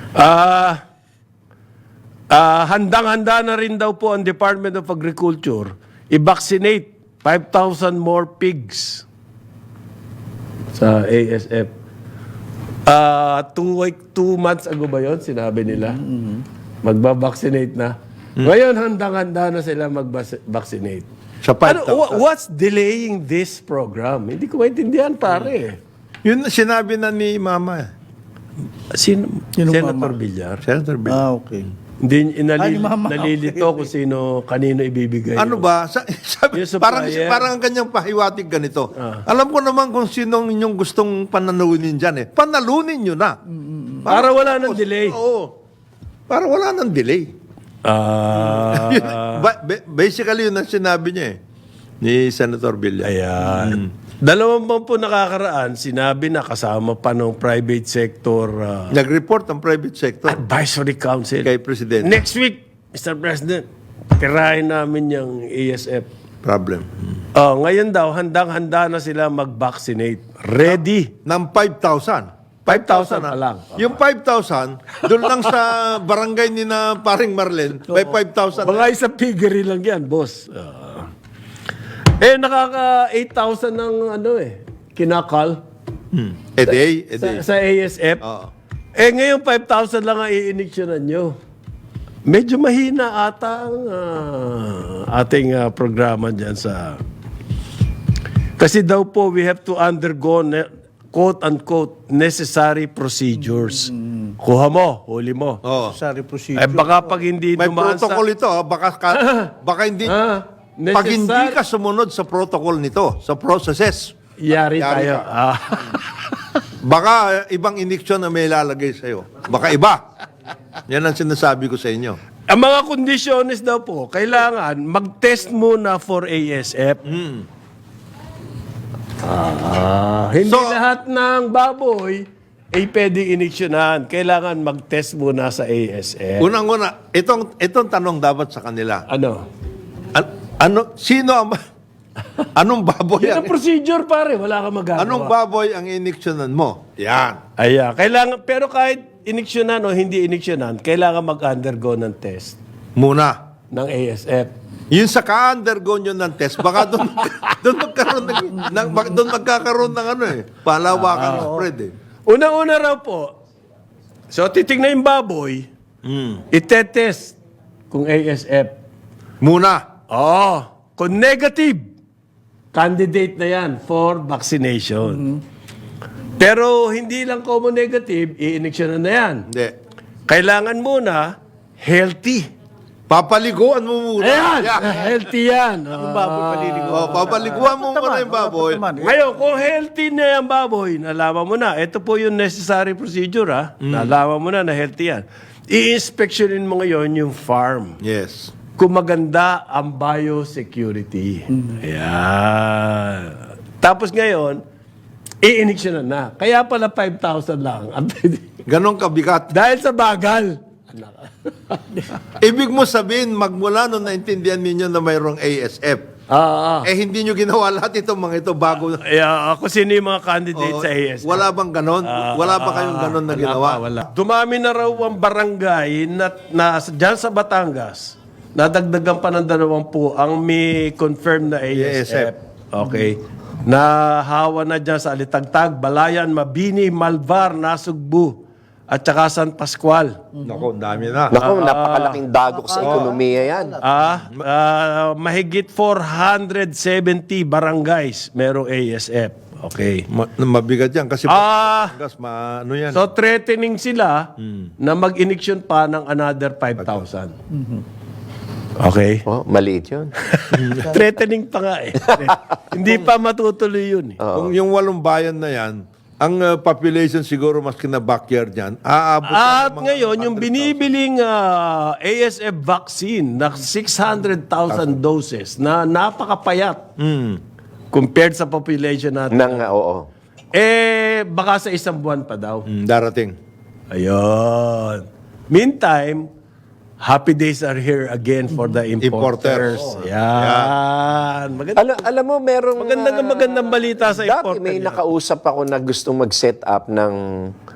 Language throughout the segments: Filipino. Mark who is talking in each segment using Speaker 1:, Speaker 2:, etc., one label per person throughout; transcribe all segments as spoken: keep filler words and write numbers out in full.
Speaker 1: Ah, ah, handang-handa na rin daw po ang Department of Agriculture i-vaccinate five thousand more pigs sa A S F. Ah, two, week, two months ago ba yun? Sinabi nila. Magba-vaccinate na. Ngayon, handang-handa na sila mag-vaccinate.
Speaker 2: Sa
Speaker 1: Ano,
Speaker 2: five thousand.
Speaker 1: wha- what's delaying this program? Hindi ko maintindihan, pare.
Speaker 2: Yun sinabi na ni Mama.
Speaker 1: Sino?
Speaker 3: Sino
Speaker 1: Senator
Speaker 3: mama?
Speaker 1: Villar.
Speaker 2: Senator Bill.
Speaker 3: Ah, okay.
Speaker 1: Hindi, inali,
Speaker 3: Ay, mama,
Speaker 1: nalilito
Speaker 3: okay,
Speaker 1: kung sino, kanino ibibigay.
Speaker 2: Ano
Speaker 1: yun.
Speaker 2: ba? Sa, sabi,
Speaker 1: Yung supplier.
Speaker 2: parang, parang ang kanyang pahiwatig ganito. Alam ko naman kung sinong inyong gustong panalunin dyan eh. Panalunin nyo na.
Speaker 1: Para wala ng delay.
Speaker 2: Oo. Para wala ng delay.
Speaker 1: Ah,
Speaker 2: Ba- ba- basically, yun ang sinabi niya eh. Ni Senator Villar.
Speaker 1: ayan. Dalawang buwan po nakakaraan, sinabi na kasama pa ng private sector ah,
Speaker 2: Nag-report ang private sector
Speaker 1: advisory council.
Speaker 2: kay Presidente.
Speaker 1: Next week, Mister President, tirahin namin yung A S F.
Speaker 2: Problem.
Speaker 1: Oh, ngayon daw, handang-handa na sila mag-vaccinate. Ready.
Speaker 2: Ng five thousand.
Speaker 1: five thousand pa lang.
Speaker 2: Yung five thousand, doon lang sa barangay ni na paring Marlen, may five thousand.
Speaker 1: Mga isang piggery lang yan, boss. Ah. eh, nakaka eight thousand ng ano eh, kinakal
Speaker 2: A day, a day.
Speaker 1: sa, sa A S F.
Speaker 2: Oo.
Speaker 1: Eh, ngayon five thousand lang ang i-inectionan nyo. Medyo mahina ata ang ah, ating ah, programa dyan sa... Kasi daw po, we have to undergo, ne- quote-unquote, necessary procedures. Kuha mo, huli mo.
Speaker 2: Oo.
Speaker 3: Sorry, procedure.
Speaker 1: Eh, baka pag hindi
Speaker 2: May
Speaker 1: dumaan sa...
Speaker 2: protocol ito, ah. baka, ka, baka hindi,
Speaker 1: Ah,
Speaker 2: pag hindi
Speaker 1: necessary-
Speaker 2: ka sumunod sa protocol nito, sa processes,
Speaker 1: Yari,
Speaker 2: Yari
Speaker 1: tayo.
Speaker 2: ka.
Speaker 1: Ah.
Speaker 2: baka eh, ibang iniksyon na may ilalagay sa'yo. Baka iba. Yan ang sinasabi ko sa inyo.
Speaker 1: Ang mga kondisyones daw po, kailangan mag-test muna for A S F. Ah, hindi
Speaker 2: So-
Speaker 1: lahat ng baboy ay pwedeng iniksyonan. Kailangan mag-test muna sa A S F.
Speaker 2: Unang-una, itong, itong tanong dapat sa kanila.
Speaker 1: Ano?
Speaker 2: An- ano, sino ang, anong baboy
Speaker 1: Yan
Speaker 2: ang,
Speaker 1: ang procedure, pare. Wala kang magagawa.
Speaker 2: anong baboy ang iniksyonan mo? Yan.
Speaker 1: Ayan. Kailangan, pero kahit iniksyonan o hindi iniksyonan, kailangan mag-undergo ng test
Speaker 2: Muna.
Speaker 1: ng A S F.
Speaker 2: Yung sa ka-undergo nyo ng test, baka doon, doon magkaroon ng, ng, doon magkakaroon ng ano eh, palawakan ng spread eh.
Speaker 1: Unang-una raw po, so titignan yung baboy, itetest kung A S F.
Speaker 2: Muna.
Speaker 1: Oh, kung negative, candidate na yan for vaccination. Pero hindi lang common negative, i-injection na yan.
Speaker 2: Hindi.
Speaker 1: Kailangan muna healthy.
Speaker 2: Papaliguan mo muna.
Speaker 1: Ayan,
Speaker 2: Yeah.
Speaker 1: healthy yan.
Speaker 3: Yung
Speaker 1: Ah.
Speaker 3: baboy paliligo.
Speaker 2: Oh, papaliguan mo muna yung baboy.
Speaker 1: Ngayon, kung healthy na yung baboy, nalaman mo na, ito po yung necessary procedure, ha? Nalaman mo na na healthy yan. I-inspectionin mo ngayon yung farm.
Speaker 2: Yes.
Speaker 1: Kung maganda ang biosecurity. Ayan. Tapos ngayon, i-injection na. Kaya pala five thousand lang. ang pwede.
Speaker 2: Ganon kabigat.
Speaker 1: Dahil sa bagal.
Speaker 2: Ibig mo sabihin, magmula nung naintindihan ninyo na mayroong A S F,
Speaker 1: Ah, ah.
Speaker 2: eh hindi nyo ginawa lahat itong mga ito bago.
Speaker 1: Yeah, ako sino yung mga candidates
Speaker 2: Oo,
Speaker 1: sa A S F?
Speaker 2: wala bang ganon? wala ba kayong ganon na
Speaker 1: Wala
Speaker 2: ginawa?
Speaker 1: pa, wala. Dumami na raw ang barangay na, na dyan sa Batangas. Nadagdagan pa ng dalawampu ang may confirmed na A S F.
Speaker 2: A S F.
Speaker 1: Okay. Nahawa na dyan sa Alitagtag, Balayan, Mabini, Malvar, Nasugbu, at saka San Pascual.
Speaker 2: Nako, ang dami na.
Speaker 4: Naku, napakalaking dagok sa ekonomiya yan.
Speaker 1: Ah, ah, mahigit four hundred seventy barangays merong A S F. Okay.
Speaker 2: Ma- mabigat yan kasi
Speaker 1: Ah,
Speaker 2: Batangas, ma- ano yan?
Speaker 1: so threatening sila na mag-iniksyon pa ng another five thousand. Okay.
Speaker 4: Oh, maliit yun.
Speaker 1: Threatening pa nga eh. Hindi pa matutuloy yun eh.
Speaker 2: Kung yung walong bayan na yan, ang uh, population siguro mas kina backyard yan, aabot
Speaker 1: At
Speaker 2: ng mga
Speaker 1: ngayon, yung
Speaker 2: one hundred thousand.
Speaker 1: binibiling ah, A S F vaccine na six hundred thousand doses na napakapayat
Speaker 2: Mm.
Speaker 1: compared sa population natin.
Speaker 4: Nang, uh, oo.
Speaker 1: Eh, baka sa isang buwan pa daw.
Speaker 2: Mm, darating.
Speaker 1: Ayun. Meantime, happy days are here again for the importers.
Speaker 2: Importers.
Speaker 1: Yan. Maganda,
Speaker 4: Alam, alam mo, merong...
Speaker 1: magandang
Speaker 4: ah,
Speaker 1: magandang balita sa
Speaker 4: dati
Speaker 1: importer.
Speaker 4: may
Speaker 1: yan.
Speaker 4: nakausap ako na gustong mag-set up ng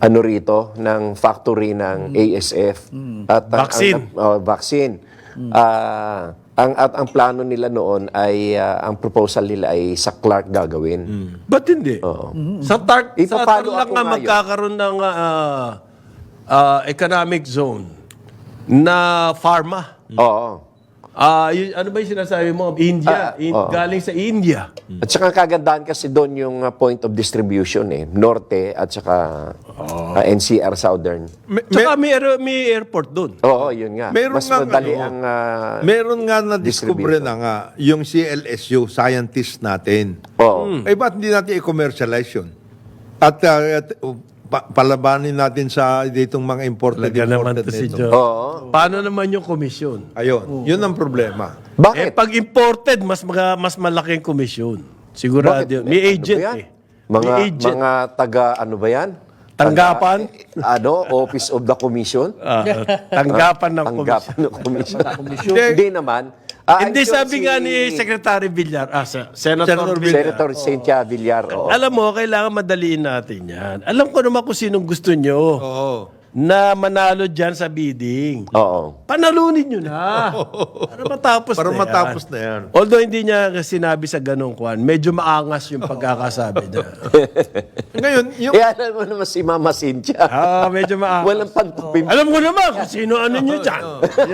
Speaker 4: ano rito, ng factory ng A S F. At ang-
Speaker 1: Vaccine.
Speaker 4: Ang, oh, vaccine. Ah, ang, at ang plano nila noon ay, ah, ang proposal nila ay sa Clark gagawin.
Speaker 1: Ba't hindi? Sa TARC, sa
Speaker 4: Ipapalo
Speaker 1: TARC lang
Speaker 4: ako
Speaker 1: nga
Speaker 4: ngayon.
Speaker 1: magkakaroon ng ah, ah, economic zone na pharma.
Speaker 4: Oo.
Speaker 1: Ah, yun- ano ba yung sinasabi mo? India.
Speaker 4: Ah,
Speaker 1: In-
Speaker 4: oo.
Speaker 1: galing sa India.
Speaker 4: At saka kagandahan kasi doon yung uh, point of distribution eh. Norte at saka uh, N C R Southern.
Speaker 2: Me-
Speaker 1: Tsaka may, aer- may airport doon.
Speaker 4: Oo, yun nga.
Speaker 2: Meron
Speaker 4: Mas
Speaker 2: nga
Speaker 4: madali
Speaker 2: ano,
Speaker 4: ang... uh,
Speaker 2: Meron nga na-discover
Speaker 4: distribution.
Speaker 2: na nga yung C L S U, scientist natin.
Speaker 4: Oo.
Speaker 2: Eh, ba't hindi natin i-commercialize yun? At, uh, at, uh, pa- palabanin natin sa ditong mga imported,
Speaker 1: Talaga naman
Speaker 2: imported
Speaker 1: to si
Speaker 2: nito.
Speaker 1: Joe.
Speaker 4: Oo.
Speaker 1: Paano naman yung komisyon?
Speaker 2: Ayun, yun ang problema.
Speaker 1: Eh,
Speaker 4: Bakit?
Speaker 1: pag imported, mas mga, mas malaki ang komisyon. Sigurado
Speaker 4: Bakit?
Speaker 1: yun. May
Speaker 4: Ano
Speaker 1: agent
Speaker 4: ba yan?
Speaker 1: eh.
Speaker 4: Mga,
Speaker 1: May agent.
Speaker 4: mga taga, ano ba yan?
Speaker 1: Tanggapan?
Speaker 4: Taga, ano, Office of the Commission?
Speaker 1: Ah, tanggapan ng komisyon.
Speaker 4: Tanggapan ng Commission. Hindi naman. Ah,
Speaker 1: Hindi
Speaker 4: andyan
Speaker 1: sabi
Speaker 4: si
Speaker 1: nga ni Secretary Villar, ah, sa- Senator,
Speaker 2: Senator
Speaker 1: Villar.
Speaker 4: Senator Cynthia Villar. Oo.
Speaker 1: Alam mo, kailangan madaliin natin yan. Alam ko naman kung sinong gusto nyo
Speaker 2: Oo.
Speaker 1: na manalo dyan sa bidding.
Speaker 4: Oo.
Speaker 1: Panalunin nyo na. Para matapos
Speaker 2: Para
Speaker 1: na yan.
Speaker 2: matapos na yan.
Speaker 1: Although hindi niya sinabi sa ganong kwan, medyo maangas yung pagkakasabi niya.
Speaker 2: Ngayon, yung...
Speaker 4: Eh, alam mo naman si Mama Cynthia.
Speaker 1: Ah, medyo maangas.
Speaker 4: Walang pagpipim.
Speaker 1: Alam ko naman kung sino ano nyo dyan.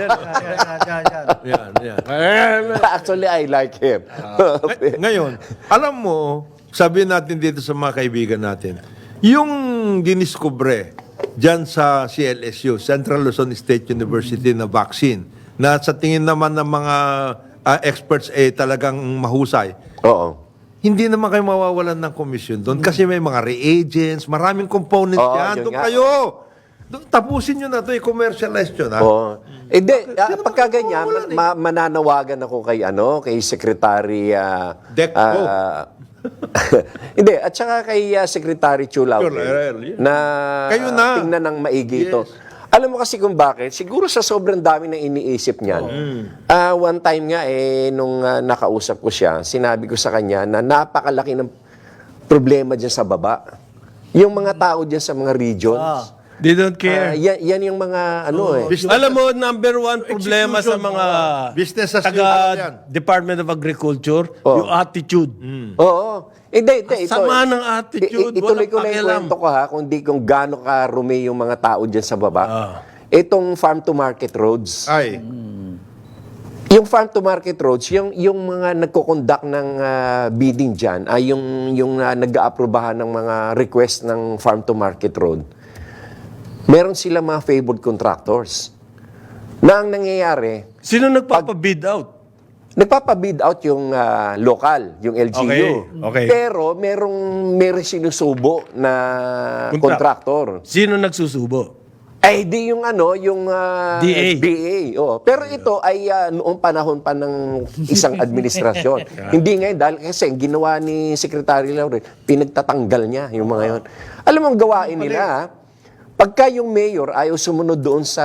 Speaker 2: Yan, yan.
Speaker 1: Eh,
Speaker 4: Actually, I like him.
Speaker 2: Ngay- Ngayon, alam mo, sabihin natin dito sa mga kaibigan natin, yung diniskubre dyan sa C L S U, Central Luzon State University na vaccine, na sa tingin naman ng mga ah, experts eh talagang mahusay,
Speaker 4: Oo.
Speaker 2: hindi naman kayo mawawalan ng komisyon doon kasi may mga reagents, maraming components
Speaker 4: Oo,
Speaker 2: yan.
Speaker 4: yun
Speaker 2: Doon
Speaker 4: nga.
Speaker 2: kayo. Doon, tapusin nyo na to, i-commercialize nyo na.
Speaker 4: Oo. Eh, di, ah, pagka ganyan, ma- ma- mananawagan ako kay, ano, kay Secretary... ah,
Speaker 2: Decco.
Speaker 4: ah, hindi, at saka kay ah, Secretary Chulao
Speaker 2: Chulao, yeah.
Speaker 4: na,
Speaker 2: Kayo na.
Speaker 4: tingnan ng maigi ito. Alam mo kasi kung bakit? Siguro sa sobrang dami na iniisip niyan. Ah, one time nga, eh, nung ah, nakausap ko siya, sinabi ko sa kanya na napakalaki ng problema dyan sa baba. Yung mga tao dyan sa mga regions.
Speaker 1: They don't
Speaker 4: Ah,
Speaker 1: care.
Speaker 4: yan, yan yung mga ano eh.
Speaker 1: Alam mo, number one problema sa mga
Speaker 2: Business as usual yan.
Speaker 1: taga Department of Agriculture, yung attitude.
Speaker 4: Oo. Hindi, hindi. Ito,
Speaker 1: Sama ng attitude,
Speaker 4: I- ituloy
Speaker 1: walang
Speaker 4: ko na yung
Speaker 1: pakialam.
Speaker 4: kwento ko ha, kung di kung gaano karumi yung mga tao dyan sa baba.
Speaker 1: Ah.
Speaker 4: Itong farm to market roads.
Speaker 2: Ay,
Speaker 4: Yung farm to market roads, yung yung mga nagko-conduct ng ah, bidding diyan ay yung yung uh, nag-aaprobahan ng mga request ng farm to market road. Meron sila mga favored contractors. Na ang nangyayari,
Speaker 1: Sino nagpapabid out?
Speaker 4: nagpapabid out yung ah, local, yung L G U.
Speaker 1: Okay, okay.
Speaker 4: Pero merong merong sinusubo na
Speaker 1: Contract.
Speaker 4: contractor.
Speaker 1: Sino nagsusubo?
Speaker 4: Ay di yung ano, yung ah,
Speaker 1: D A.
Speaker 4: D A. Oh. Pero ito ay ah, noong panahon pa ng isang administrasyon. Hindi ngayon dahil kasi ang ginawa ni Secretary Laurel, pinagtatanggal niya yung mga yon. Alam mo ang gawain nila, ha? Pagka yung mayor ayaw sumunod doon sa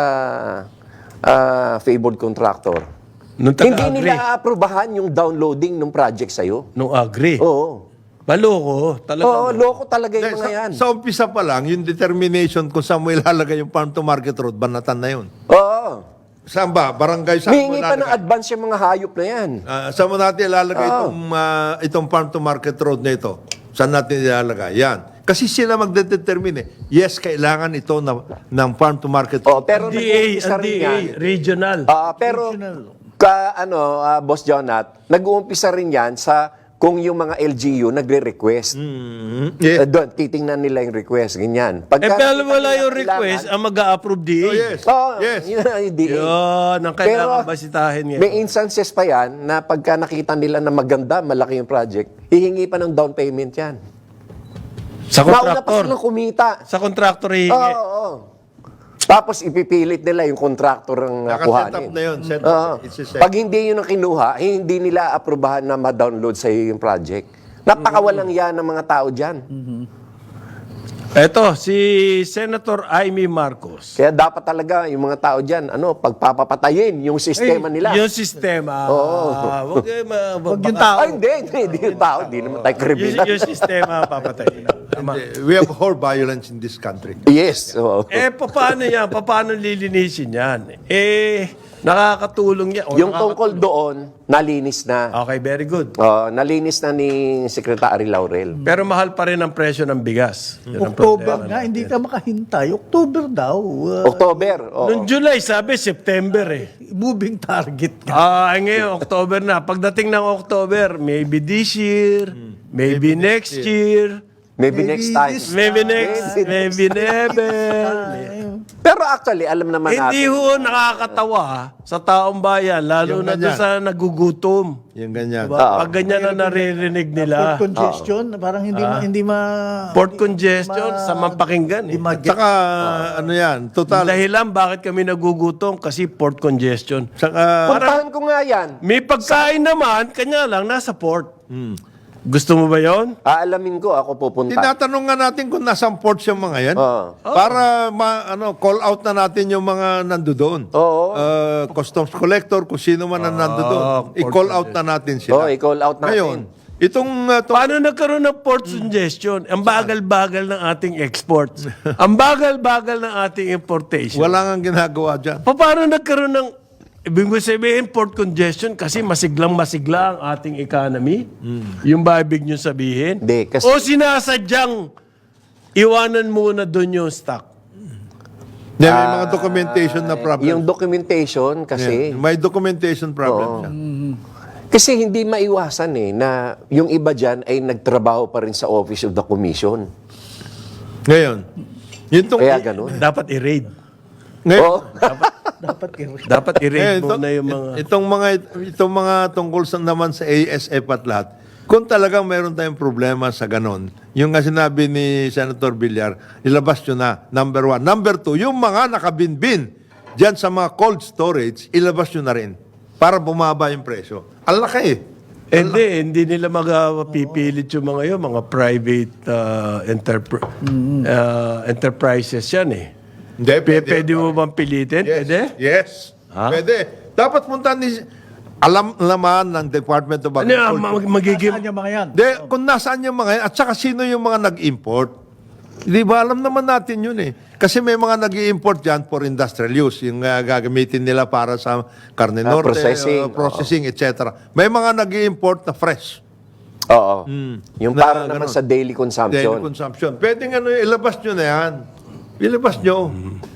Speaker 4: ah, favored contractor,
Speaker 1: Nung
Speaker 4: hindi
Speaker 1: taga-agri.
Speaker 4: nila aaprubahan yung downloading ng project sa'yo.
Speaker 1: Nung agri.
Speaker 4: Oo.
Speaker 1: Baloko. Talaga.
Speaker 4: Oo, loko talaga
Speaker 2: sa,
Speaker 4: yung mga yan.
Speaker 2: sa umpisa pa lang, yung determination kung saan mo ilalagay yung farm to market road, banatan na yun.
Speaker 4: Oo.
Speaker 2: Saan ba? Barangay saan mo
Speaker 4: Hihingi pa ng
Speaker 2: ilalagay?
Speaker 4: advance yung mga hayop na yan.
Speaker 2: Ah, saan mo natin ilalagay itong, ah, itong farm to market road na ito? Saan natin ilalagay? Yan. Kasi sila magdedetermine eh. Yes, kailangan ito na, ng farm to market road.
Speaker 4: Oh, pero
Speaker 1: D A,
Speaker 4: nag-uumpisa
Speaker 1: ang D
Speaker 4: rin
Speaker 1: A,
Speaker 4: yan.
Speaker 1: regional.
Speaker 4: Ah, pero ka ano, ah, Boss Jonat, nag-uumpisa rin yan sa kung yung mga L G U nagre-request.
Speaker 2: Mhm. Yeah.
Speaker 4: Eh, doon, titingnan nila yung request, ganyan.
Speaker 1: eh,
Speaker 4: Pagka
Speaker 1: pero
Speaker 4: nakita
Speaker 1: wala
Speaker 4: nila
Speaker 1: yung
Speaker 4: kailangan-
Speaker 1: request, ang mag-a-approve D A.
Speaker 2: Oh, yes.
Speaker 4: Oo,
Speaker 2: Yes.
Speaker 4: yun ang D A.
Speaker 1: Yun, ang kailangan
Speaker 4: Pero,
Speaker 1: basitahin ngayon.
Speaker 4: May instances pa yan na pagka nakita nila na maganda, malaki yung project, hihingi pa ng down payment yan.
Speaker 1: Sa
Speaker 4: Mauna pa
Speaker 1: contractor.
Speaker 4: silang kumita.
Speaker 1: Sa contractor hihingi.
Speaker 4: Oo, oo. Tapos ipipilit nila yung contractor ang uh,
Speaker 2: Naka-set up
Speaker 4: kuhanin.
Speaker 2: na yun. Set
Speaker 4: Oo.
Speaker 2: up. It's a set.
Speaker 4: Pag hindi yun ang kinuha, hindi nila aprobahan na ma-download sa iyo yung project. Napakawalang yan ng mga tao dyan.
Speaker 1: Eto, si Senator Amy Marcos.
Speaker 4: Kaya dapat talaga yung mga tao dyan, ano, pagpapapatayin yung sistema nila.
Speaker 1: Yung sistema.
Speaker 4: Oo.
Speaker 1: ah, wag, eh, ma-
Speaker 3: Wag yung
Speaker 1: baka-
Speaker 3: tao.
Speaker 4: Ay, hindi, hindi, hindi yung tao. Hindi naman tayo
Speaker 1: yung,
Speaker 4: kriminal.
Speaker 1: yung sistema papatay. Tama.
Speaker 2: We have whole violence in this country.
Speaker 4: Yes. oo.
Speaker 1: Eh, paano yan? Paano lilinisin yan? Eh, nakakatulong yan. O,
Speaker 4: Yung
Speaker 1: nakakatulong.
Speaker 4: tungkol doon, nalinis na.
Speaker 1: Okay, very good.
Speaker 4: Oh, nalinis na ni Secretary Laurel.
Speaker 1: Pero mahal pa rin ang presyo ng bigas. Yun ang
Speaker 3: October
Speaker 1: problema
Speaker 3: nga, hindi ka makahintay. October daw. uh,
Speaker 4: October. oo.
Speaker 1: Noong July, sabi September eh.
Speaker 3: moving target nga.
Speaker 1: Ah, ay ngayon, October na. Pagdating ng October, maybe this year, maybe, next year,
Speaker 4: Maybe,
Speaker 3: Maybe
Speaker 4: next time.
Speaker 3: this-
Speaker 1: maybe next,
Speaker 4: Maybe
Speaker 1: maybe never.
Speaker 4: Pero actually, alam naman
Speaker 1: Hindi
Speaker 4: natin.
Speaker 1: ho nakakatawa sa taong bayan, lalo
Speaker 2: Yung
Speaker 1: na doon
Speaker 2: ganyan.
Speaker 1: sa nagugutom.
Speaker 2: Yung ganyan.
Speaker 4: Oo.
Speaker 1: Pag ganyan na naririnig
Speaker 3: Port
Speaker 1: nila.
Speaker 3: congestion, parang hindi ma, hindi ma...
Speaker 1: Port congestion, sa mapakinggan eh.
Speaker 3: Hindi ma-
Speaker 2: Saka, ano yan, total.
Speaker 1: Dahilan bakit kami nagugutom kasi port congestion.
Speaker 2: Saka,
Speaker 4: Puntahan ko nga yan.
Speaker 1: May pagkain naman, kanya lang, nasa port. Gusto mo ba yon?
Speaker 4: Aalamin ko, ako pupunta.
Speaker 2: tinatanong nga natin kung nasang ports yung mga yan.
Speaker 4: Oo.
Speaker 2: Para ma, ano, call out na natin yung mga nandoon.
Speaker 4: Oo.
Speaker 2: Uh, customs collector, kung sino man ang nandoon.
Speaker 1: port
Speaker 2: I-call out na natin sila.
Speaker 4: Oo, i-call out natin.
Speaker 2: Ngayon, itong... Uh, tong-
Speaker 1: Paano nagkaroon ng port congestion? Ang bagal-bagal ng ating exports. Ang bagal-bagal ng ating importation.
Speaker 2: wala nga ginagawa dyan.
Speaker 1: Pa- Paano nagkaroon ng... Ibig ko sabihin, port congestion kasi masiglang-masigla ang ating economy? Yung ba ibig nyo sabihin?
Speaker 4: Hindi, kasi-
Speaker 1: O sinasadyang iwanan muna doon yung stock?
Speaker 2: Hindi, may mga documentation na problem.
Speaker 4: Yung documentation kasi,
Speaker 2: Yeah, may documentation problem siya.
Speaker 4: kasi hindi maiwasan eh, na yung iba dyan ay nagtrabaho pa rin sa Office of the Commission.
Speaker 2: Ngayon, yun tong,
Speaker 4: Kaya ganun.
Speaker 1: Dapat i-raid.
Speaker 2: ngayon,
Speaker 4: Oo.
Speaker 3: dapat i-
Speaker 1: Dapat i-raid
Speaker 2: ngayon,
Speaker 1: muna yung mga...
Speaker 2: itong mga itong mga tungkol sa naman sa A S F at lahat, kung talagang mayroon tayong problema sa ganon, yung nga sinabi ni Senator Villar, ilabas nyo na, number one. Number two, yung mga nakabinbin dyan sa mga cold storage, ilabas nyo na rin para bumaba yung presyo. Ang laki eh.
Speaker 1: Hindi, hindi nila magapipilit yung mga yun, mga private uh, enterpr- uh, enterprises yan eh.
Speaker 2: Hindi,
Speaker 1: P- pwede mo bang pilitin?
Speaker 2: Yes.
Speaker 1: Pwede?
Speaker 2: Yes.
Speaker 1: Ha?
Speaker 2: Pwede. Dapat punta ni alam laman ng Department of
Speaker 1: Ano yan,
Speaker 2: Agriculture.
Speaker 1: mag- magiging...
Speaker 3: Saan yung mga yan?
Speaker 2: De, kung nasaan yung mga yan, at saka sino yung mga nag-import. Di ba, alam naman natin yun eh. Kasi may mga nag-i-import dyan for industrial use, yung uh, gagamitin nila para sa karne
Speaker 4: Ah,
Speaker 2: norte,
Speaker 4: processing.
Speaker 2: uh, processing, et cetera. May mga nag-i-import na fresh.
Speaker 4: Oo. Yung
Speaker 2: Na
Speaker 4: para naman
Speaker 2: ganun.
Speaker 4: sa daily
Speaker 2: Daily
Speaker 4: consumption.
Speaker 2: consumption. Pwede nga ano, ilabas nyo na yan. Ilabas nyo.